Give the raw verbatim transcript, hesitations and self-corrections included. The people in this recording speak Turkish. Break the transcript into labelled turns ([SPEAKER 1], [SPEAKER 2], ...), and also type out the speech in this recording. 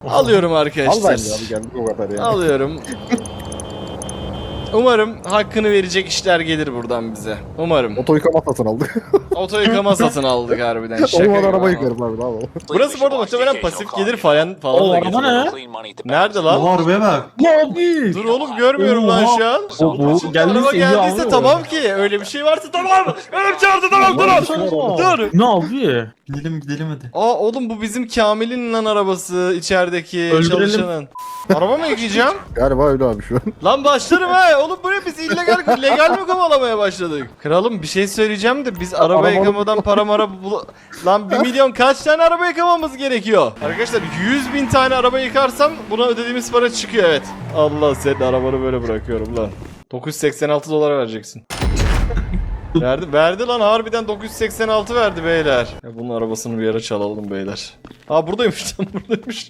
[SPEAKER 1] Alıyorum
[SPEAKER 2] Al
[SPEAKER 1] arkadaşlar.
[SPEAKER 2] bence abi geldik o kadar ya.
[SPEAKER 1] Alıyorum. Umarım hakkını verecek işler gelir buradan bize. Umarım.
[SPEAKER 2] Oto yıkama satın aldık.
[SPEAKER 1] Oto yıkama satın aldık harbiden. Şaka
[SPEAKER 2] Olmadan
[SPEAKER 1] gibi
[SPEAKER 2] araba
[SPEAKER 1] ama.
[SPEAKER 2] yıkarım abi abi.
[SPEAKER 1] Burası bu arada muhtemelen pasif gelir falan falan
[SPEAKER 3] O
[SPEAKER 1] da
[SPEAKER 3] araba
[SPEAKER 1] getirir.
[SPEAKER 3] ne?
[SPEAKER 1] Nerede lan?
[SPEAKER 4] Oha arabaya bak.
[SPEAKER 3] Abi.
[SPEAKER 1] Dur oğlum görmüyorum lan şu an.
[SPEAKER 3] O bu geldi
[SPEAKER 1] Araba geldiyse tamam ki. Öyle bir şey varsa tamam. Benim çağırdı tamam dur. Dur.
[SPEAKER 3] Ne abi?
[SPEAKER 4] Gidelim gidelim hadi.
[SPEAKER 1] Aa oğlum bu bizim Kamil'in lan arabası içerideki
[SPEAKER 3] Öldürelim.
[SPEAKER 1] çalışanın. Araba mı yıkayacağım?
[SPEAKER 2] Galiba öyle abi şu an.
[SPEAKER 1] Lan başlarım ha. Oğlum bu ne biz illegal legal mi kovalamaya başladık? Kralım bir şey söyleyeceğim de biz araba
[SPEAKER 2] Arabanın-
[SPEAKER 1] yıkamadan para mara bul... Lan bir milyon kaç tane araba yıkamamız gerekiyor? Arkadaşlar yüz bin tane araba yıkarsam buna ödediğimiz para çıkıyor evet. Allah senin arabanı böyle bırakıyorum lan. dokuz yüz seksen altı dolar vereceksin. Verdi, verdi lan harbiden dokuz yüz seksen altı verdi beyler. Ya bunun arabasını bir yere çalalım beyler. Aa buradaymış lan buradaymış.